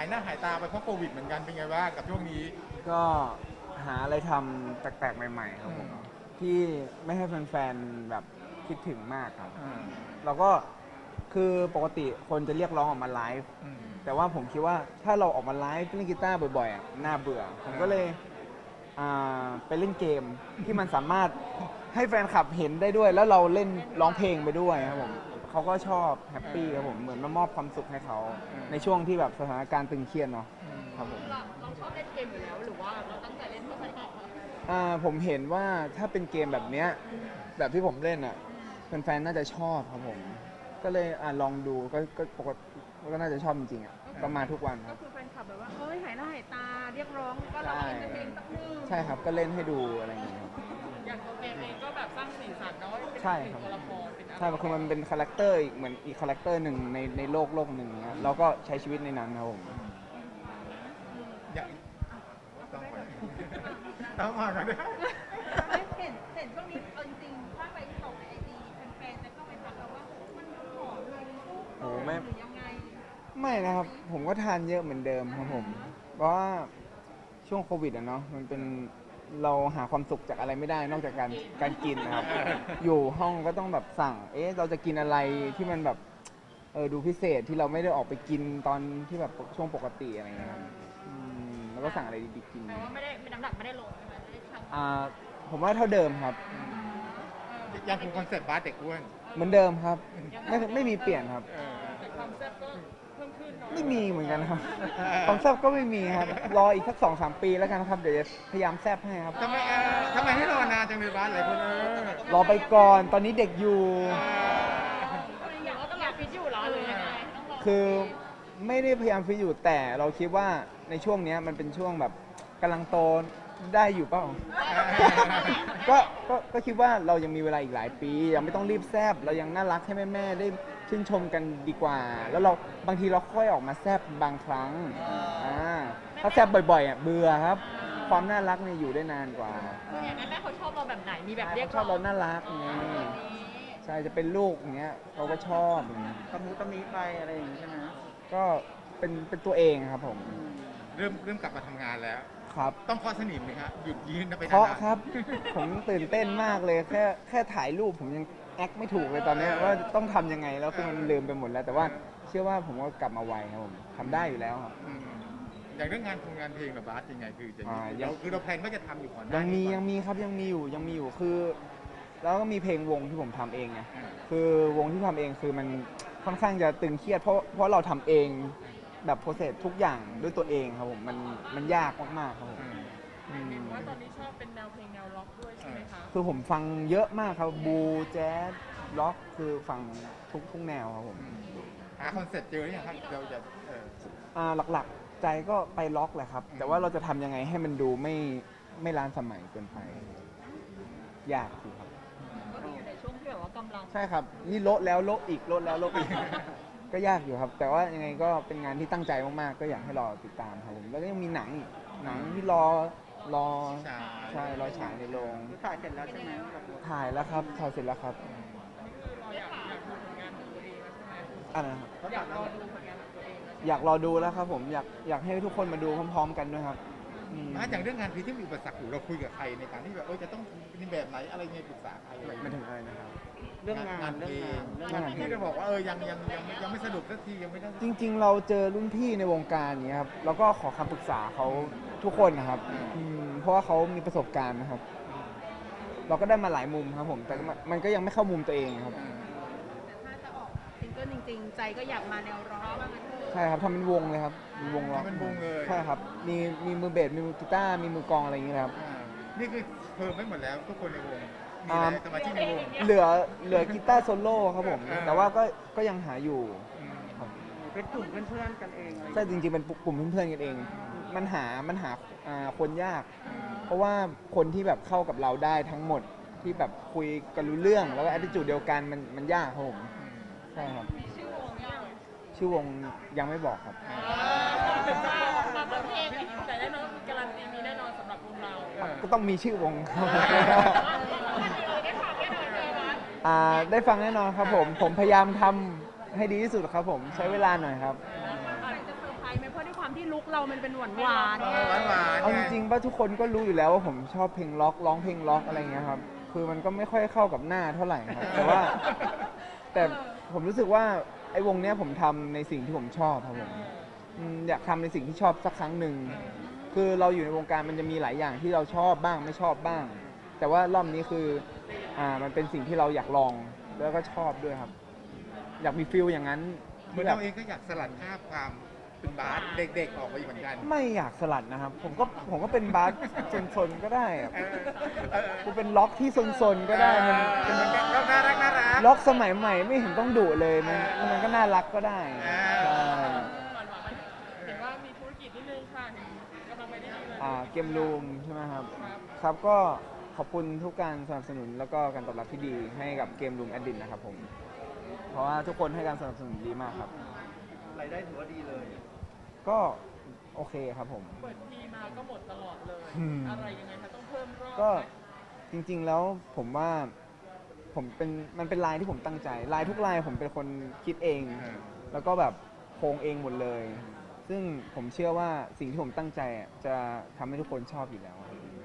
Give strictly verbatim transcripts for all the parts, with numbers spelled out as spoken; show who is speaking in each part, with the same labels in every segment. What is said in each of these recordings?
Speaker 1: ายหน้าหายตาไปเพราะโควิดเหมือนกันเป็นไงบ้างกับช่วงนี้
Speaker 2: ก็หาอะไรทำแปลกๆใหม่ๆครับผมที่ไม่ให้แฟนๆแบบคิดถึงมากครับเราก็คือปกติคนจะเรียกร้องออกมาไลฟ์แต่ว่าผมคิดว่าถ้าเราออกมาไลฟ์เล่นกีตาร์บ่อยๆอ่ะน่าเบื่อผมก็เลยอ่าไปเล่นเกมที่มันสามารถให้แฟนคลับเห็นได้ด้วย แล้วเราเล่นร้องเพลงไปด้วยครับผมเขาก็ชอบแฮปปี้ครับผมเหมือนมามอบความสุขให้เขาในช่วงที่แบบสถานการณ์ตึงเครียดเนาะครับผม
Speaker 3: เราเราชอบเล่นเกมอยู่แล้วหรือว่าเราตั้งใจเล่นเพื่อแฟนคลับ
Speaker 2: อ่าผมเห็นว่าถ้าเป็นเกมแบบเนี้ยแบบที่ผมเล่นอ่ะแฟนๆน่าจะชอบครับผมก็เลยอ่าลองดูก็ก็ปกติก็น่าจะชอบจริงๆอ่ะก็มาทุกวันค
Speaker 3: ก็
Speaker 2: รับ
Speaker 3: คือแฟนคลับแบบว่าเฮ้ยหายหน้าหายตาเรียกร้องก็เราเล่นเพลงสักหนึ่ง
Speaker 2: ใช่ครับก็เล่นให้ดูอะไรอย่างเงี้ยครับ
Speaker 3: อย่างตัวเกมเองก็แบบสร้างสีสันเนาะเป็น
Speaker 2: ใช่ครับ
Speaker 3: ตัวละครเป็นอะไร
Speaker 2: ใช่คือมันเป็นคาแรคเตอร์อีกเหมือนอีกคาแรคเตอร์หนึ่งในในโลกโลกหนึ่งนะเราก็ใช้ชีวิตในนั้นครับผม
Speaker 1: อยากต้องไปต้องมากันด้วย
Speaker 3: เห็นเห็นช่วงนี้เอาจริงๆถ้าไปส่งในไอจีแฟนๆจะเข้าไปทักเราว่ามันผอมลงรูป
Speaker 2: โอ้ไม่
Speaker 3: หรือยังไง
Speaker 2: ไม่นะครับผมก็ทานเยอะเหมือนเดิมครับผมเพราะว่าช่วงโควิดอะเนาะมันเป็นเราหาความสุขจากอะไรไม่ได้นอกจากการการกินนะครับ อยู่ห้องก็ต้องแบบสั่ง เอ๊ะเราจะกินอะไรที่มันแบบเออดูพิเศษที่เราไม่ได้ออกไปกินตอนที่แบบช่วงปกติอะไรอย่างเงี้ยครับอืมแล้วก็สั่งอะไรดีๆกิน
Speaker 3: แปลว่าไม่ได้ไม่น้ำหนักไม่ได้ลงใช่ไหมไม่ได้ชั่ง
Speaker 2: อ่าผมว่าเท่าเดิมครับ
Speaker 1: ยังคงคอนเซ็ปต์บาสเด็กอ้วน
Speaker 2: เหมือนเดิมครับไม่ไม่มีเปลี่ยนครับ
Speaker 1: เออ
Speaker 3: แต่ความแซ่บก็เพิ่มขึ้นเนาะ
Speaker 2: ไม่มีเหมือนกันครับความแซบก็ไม่มีครับรออีกสักสองสามปีแล้วกันครับเดี๋ยวจะพยายามแซบให้ครับ
Speaker 1: ทำไมเออทำไมให้รอนานจังเลยบาสหลายคนเออ
Speaker 2: รอไปก่อนตอนนี้เด็กอยู่
Speaker 3: อยากว่าต้องรอฟิตอยู่เหรอหรือยังไงต้องรอ
Speaker 2: คือไม่ได้พยายามฟิตอยู่แต่เราคิดว่าในช่วงเนี้ยมันเป็นช่วงแบบกำลังโตได้อยู่เปล่า ก็ก็ก็คิดว่าเรายังมีเวลาอีกหลายปี ยังไม่ต้องรีบแซบเรายังน่ารักให้แม่ๆได้ชื่นชมกันดีกว่า แล้วเราบางทีเราค่อยออกมาแซบบางครั้งอ่าถ้าแซบบ่อยๆอ่ะเบื่อครับ ความน่ารักเนี่ยอยู่ได้นานกว่า
Speaker 3: อย่างนั้นแม่เขาชอบเราแบบไหนมีแบบเรียก
Speaker 2: ชอบเราน่ารักไงใช่จะเป็นลูกอย่างเงี้ยเขาก็ชอบอย่างเงี้ย
Speaker 4: ตะมุตะมิไปอะไรอย่างนี้ใช่ไหม
Speaker 2: ก็เป็นเป็นตัวเองครับผม
Speaker 1: เริ่มเริ่มกลับมาทำงานแล้ว
Speaker 2: ครับ
Speaker 1: ต้องเคาะสนิมไหมครับหยุดยืนไปนานๆ
Speaker 2: เพราะครับ ผมตื่นเต้นมากเลยแค่แค่ถ่ายรูปผมยังแอคไม่ถูกเลยตอนเนี้ยว่าต้องทำยังไงแล้วคือมันลืมไปหมดแล้ว แต่ว่าเชื่อว่าผมก็กลับมาไวครับผมทำได้อยู่แล้วครับ
Speaker 1: อืมอย่างเรื่องงานคงงานเพลงกับบาสยังไงคือจะ
Speaker 2: อ่ายัง
Speaker 1: เราคือเราแพลนว่าจะทำอยู่ก่อนหน้า
Speaker 2: ยังมี
Speaker 1: นี้ก่
Speaker 2: ยั
Speaker 1: อน
Speaker 2: งมีครับยังมีอยู่ยังมีอยู่คือ แล้วก็มีเพลงวงที่ผมทำเองไง
Speaker 1: อ่า
Speaker 2: คือวงที่ทำเองคือมันค่อนข้างจะตึงเครียดเพราะเพราะเราทำเองแบบโปรเซสทุกอย่างด้วยตัวเองครับผมมันมันยากมากๆครับผม
Speaker 1: อืม
Speaker 2: อืม
Speaker 3: เห็นว่าตอนนี้ชอบเป็นแนวเพลงแนวล็อกด้วยใช่ไหมคะ
Speaker 2: คือผมฟังเยอะมากครับบูแจ๊สล็อกคือฟังทุกทุกแนวครับผม
Speaker 1: หาคอนเซ็ปต์เจอหรือยังครับเราจะเออ
Speaker 2: อ่าหลักๆใจก็ไปล็อกแหละครับ แต่ว่าเราจะทำยังไงให้มันดูไม่ไม่ล้านสมัยเกินไป ยากอยู่ครับ
Speaker 3: ก็คืออยู่ในช่วงที่แบบว่ากำลัง
Speaker 2: ใช่ครับ นี่โละแล้วโละอีกโละแล้วโละอีก ก็ยากอยู่ครับ แต่ว่ายังไงก็เป็นงานที่ตั้งใจมากๆ ก็อยากให้รอติดตามครับผมแล้วก็ยังมีหนังอีกหนังที่รอรอ
Speaker 1: ใช่
Speaker 2: ใช่รอฉายในโรง
Speaker 4: คือถ่ายเสร็จแล้วใช่ไหมกับ
Speaker 2: ถ่ายแล้วครับถ่ายเสร็จแล้วครับ
Speaker 3: เราอยากอยากดูผลงานของตัวเองแล้วใช่ไหม
Speaker 2: อะไรนะครับ
Speaker 3: อยากรอดูผลงานของตัวเองแล้วใช่ไหม
Speaker 2: อยากรอดูแล้วครับผมอยากอยากให้ทุกคนมาดูพร้อมๆ กันด้วยครับอืม
Speaker 1: มาจากเรื่องงานเพลงที่มีอุปสรรคอยู่เราคุยกับใครในการที่แบบเออจะต้องเป็นแบบไหนอะไรไงปรึกษาใครอะไร
Speaker 2: ไม่ถึงอะไรนะครับ
Speaker 4: เรื่องงานเรื่องงานเรื่องงาน
Speaker 1: ที่จะบอกว่าเออยังยังยังยังไม่สรุปสักทียังไม่ได้
Speaker 2: จริงๆ เราเจอรุ่นพี่ในวงการอย่างเงี้ยครับแล้วก็ขอคำปรึกษาเขาทุกคนนะครับอืมเพราะว่าเขามีประสบการณ์นะครับ เราก็ได้มาหลายมุมครับผม แต่ก็มันมันก็ยังไม่เข้ามุมตัวเองครับ
Speaker 3: แต่ถ้าจะออกซิงเกิลจริงๆ ใจก็อยากมาแนวร็อกว่างั้นเถอะ
Speaker 2: ใช่ครับทำเป็นวงเลยครับเป็นวงร็อก
Speaker 1: ทำเป็นวงเลย
Speaker 2: ใช่ครับมีมีมือเบสมีมือกีตาร์มีมือกลองอะไรอย่างเงี้ยครับ
Speaker 1: อ่านี่คือเพิ่มไม่หมดแล้วทุกคนในวงมี
Speaker 2: อ่า
Speaker 1: อะไรสมาชิกในวง
Speaker 2: เหลือเหลือกีตาร์โซโล่ครับผม
Speaker 1: อ่า
Speaker 2: แต่ว่าก็ก็ยังหาอยู่
Speaker 1: อืม
Speaker 2: ครับ
Speaker 4: เป็นกลุ่มเพื่อนๆกันเองอะไรอย่าง
Speaker 2: ใช่
Speaker 4: เงี้ย
Speaker 2: จริงๆเป็นกลุ่มเพื่อนๆกันเอง มันหามันหาอ่าคนยาก เพราะว่าคนที่แบบเข้ากับเราได้ทั้งหมดที่แบบคุยกันรู้เรื่องแล้วก็ attitude เดียวกันมันมันยากครับผมใช่ครับ
Speaker 3: ชื่อวงยัง
Speaker 2: ชื่อวงยังไม่บอกครับ
Speaker 3: มาประเภทแต่แน่นอนการันตีมีแน่นอนสำหรับวงเรา
Speaker 2: ก็ต้องมีชื่อวงครับ
Speaker 3: ได้ฟังแน่นอนเลยว่า
Speaker 2: อ่าได้ฟังแน่นอนครับผม ผมพยายามทำให้ดีที่สุดครับผมใช้เวลาหน่อยครับ
Speaker 3: อะไรจะเซอร์ไพรไหมเพราะด้วยความที่ลุคเรามันเป็นหวานหวาน
Speaker 1: เออหวานหวาน
Speaker 2: เอาจริงๆป่ะทุกคนก็รู้อยู่แล้วว่าผมชอบเพลงล็อกร้องเพลงล็อกอะไรเงี้ยครับ คือมันก็ไม่ค่อยเข้ากับหน้าเท่าไหร่ครับ แต่ว่า แต่ผมรู้สึกว่าไอ้วงเนี้ยผมทำในสิ่งที่ผมชอบครับผมอืมอยากทำในสิ่งที่ชอบสักครั้งหนึ่ง คือเราอยู่ในวงการมันจะมีหลายอย่างที่เราชอบบ้างไม่ชอบบ้าง แต่ว่ารอบนี้คืออ่ามันเป็นสิ่งที่เราอยากลองแล้วก็ชอบด้วยครับ อยากมีฟิลอย่างนั้น
Speaker 1: เหมือนเราเองก็อยากสลัดภาพความเป็นบาสเด็กๆออกไปเหมือนกัน
Speaker 2: ไม่อยากสลัดนะครับ ผมก็ผมก็เป็นบาสซนๆก็ได้อะ
Speaker 1: เออเออ
Speaker 2: กูเป็นล็อกที่ซนๆก็ได้มัน
Speaker 1: เป็
Speaker 2: เป็น น
Speaker 1: ก็น่ารักน่ารัก
Speaker 2: ล็อกสมัยใหม่ไม่เห็นต้องดุเลยมันมันก็น่ารักก็ได้
Speaker 1: อ่า
Speaker 2: ใช่
Speaker 5: เห็นว่ามีธุรกิจนิดนึงค่ะเห็นกำลังไปได้ดีเลย
Speaker 2: อ่าเกมรูมใช่ไหมครับ ครับก็ขอบคุณทุกการสนับสนุนแล้วก็การตอบรับที่ดีให้กับเกมรูมแอดดินนะครับผม เพราะว่าทุกคนให้การสนับสนุนดีมากครับ
Speaker 1: รายได้ถือว่าดีเลย
Speaker 2: ก็โอเคครับผม
Speaker 5: เปิดทีมาก็หมดตลอดเลย
Speaker 2: อืม
Speaker 5: อะไรยังไงคะต้องเพิ่มรอบ
Speaker 2: ก็
Speaker 5: ไหม
Speaker 2: จริงๆแล้วผมว่าผมเป็นมันเป็นลายที่ผมตั้งใจลายทุกลายผมเป็นคนคิดเอง
Speaker 1: อ่า
Speaker 2: แล้วก็แบบโครงเองหมดเลย ซึ่งผมเชื่อว่าสิ่งที่ผมตั้งใจอ่ะจะทำให้ทุกคนชอบอยู่แล้ว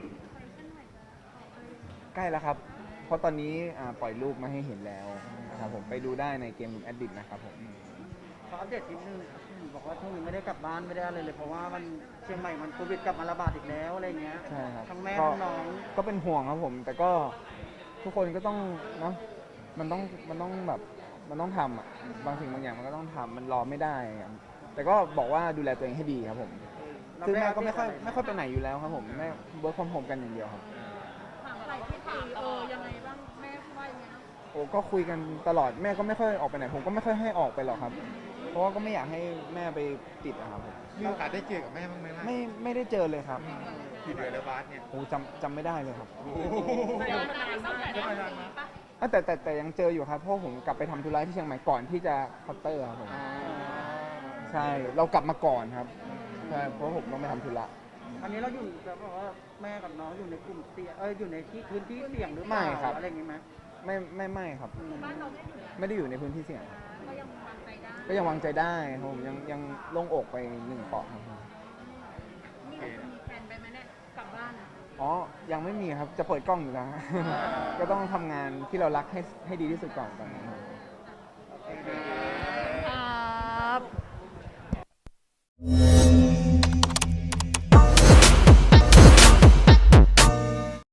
Speaker 2: ใกล้แล้วครับ เพราะตอนนี้อ่าปล่อยรูปมาให้เห็นแล้วนะครับผมไปดูได้ในเกมรูมแอดดิ t นะครับผม
Speaker 4: ขออัปเดตนิดนึงครับบอกว่าช่วงนี้ไม่ได้กลับบ้านไม่ได้อะไรเลยเพราะว่ามันเชียงใหม่มันโควิดกลับมาระบาดอีกแล้วอะไรเงี้ย
Speaker 2: ใช่ครับ
Speaker 4: ทั้งแม่
Speaker 2: ก็
Speaker 4: ทั้งน้อง
Speaker 2: ก็เป็นห่วงครับผม แต่ก็ทุกคนก็ต้องเนาะมันต้องมันต้องแบบมันต้องทำอ่ะบางสิ่งบางอย่างมันก็ต้องทำมันรอไม่ได้อะแต่ก็บอกว่าดูแลตัวเองให้ดีครับผมคือแม่ก็ไม่ค่อยไม่ค่อยไปไหนอยู่แล้วครับผมแม่เวิร์คฟอร์มโฮมกันอย่างเดียวครับ
Speaker 3: ถามอะไรที่ตีเออยังไงบ้างแม่ว่ายังไงนะ
Speaker 2: โอ้ก็คุยกันตลอดแม่ก็ไม่ค่อยออกไปไหนผมก็ไม่ค่อยให้ออกไปหรอกครับ เพราะว่าก็ไม่อยากให้แม่ไปติดอะครับผม
Speaker 1: มีโอกาสได้เจอกับแม่บ้างไหมล่ะ
Speaker 2: ไม่ไม่ได้เจอเลยครับ
Speaker 1: ที่เหลือแล้วบาสเนี่ย
Speaker 2: โอ้จำจำไม่ได้เลยครับ
Speaker 1: โอ้โห
Speaker 5: แต่ว่านานมาก
Speaker 1: จะมานานมาก
Speaker 2: อ่ะแต่แต่แต่ยังเจออยู่ครับเพราะผมกลับไปทำธุระที่เชียงใหม่ก่อนที่จะเคาน์เตอร์ครับผมใช่เรากลับมาก่อนครับใช่เพราะผมต้องไปทำธุระ
Speaker 4: อันนี้เราอยู่แบบว่าแม่กับน้องอยู่ในกลุ่มเสี่ยงเอออยู่ในที่พื้นที่เสี่ยงหรือเปล่า
Speaker 2: ไม่ครับ
Speaker 4: อะไรอย่างงี้ไหม
Speaker 2: ไม่ไม่ไม่ครับ
Speaker 3: บ้านเราไม่อยู่แล้ว
Speaker 2: ไม่ได้อยู่ในพื้นที่เสี่ยง
Speaker 3: ก็ยังวางใจได้
Speaker 2: ก็ยังวางใจได้ครับผมยังยังโล่งอกไปหนึ่งเปราะครับผม
Speaker 3: มีมีแผนไปไหมเนี่ยกลับบ้านอะ
Speaker 2: อ๋อยังไม่มีครับจะเปิดกล้องอยู่แล้ว ก็ต้องทำงานที่เรารักให้ให้ดีที่สุดก่อนตอนนี้ครับ
Speaker 3: ครับ